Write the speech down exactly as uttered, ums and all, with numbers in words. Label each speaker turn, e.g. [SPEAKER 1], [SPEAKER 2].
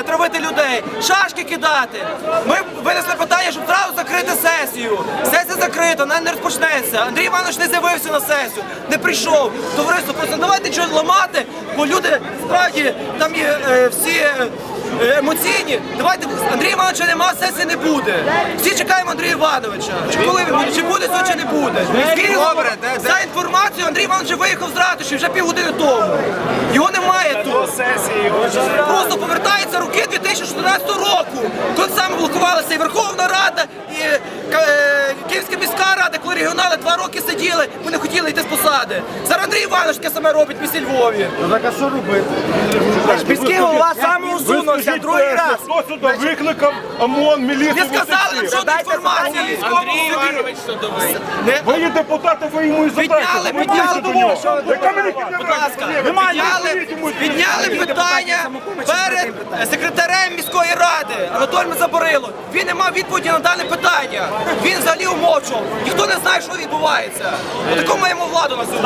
[SPEAKER 1] травити людей, шашки кидати. Ми винесли питання, щоб зразу закрити сесію. Сесія закрита, вона не розпочнеться. Андрій Іванович не з'явився на сесію, не прийшов. Товариство, просто давайте щось ламати, бо люди справді там є е, всі е, емоційні. Давайте, Андрія Івановича нема, сесії не буде. Всі чекаємо Андрія Івановича. Чи коли він буде, чи буде сьогодні, чи не буде. Добре, за інформацією, Андрій Іванович виїхав з ратуші вже півгодини тому. Його немає тут. Просто повертаються роки дві тисячі чотирнадцятого року, коли саме блокувалася і Верховна Рада, і е, Київська міська рада, коли регіонали два роки сиділи, бо не хотіли йти з посади. Зараз Андрій Іванович таке саме робить в місті Львові.
[SPEAKER 2] Ну так а що робити?
[SPEAKER 3] Міський голова самоусунувся другий раз.
[SPEAKER 2] Хто сюди викликав ОМОН, міліцію?
[SPEAKER 1] Не сказали нам жодної інформації.
[SPEAKER 3] Андрій Іванович судовий.
[SPEAKER 2] Ви є депутати, ви йому і задайте.
[SPEAKER 1] Підняли, підняли, будь ласка, підняли, підняли питання перед секретарем міської ради Анатолієм Заборило. Він не мав відповіді на дане питання. Він взагалі умовчував. Ніхто не знає, що відбувається. Таку маємо владу на сьогодні.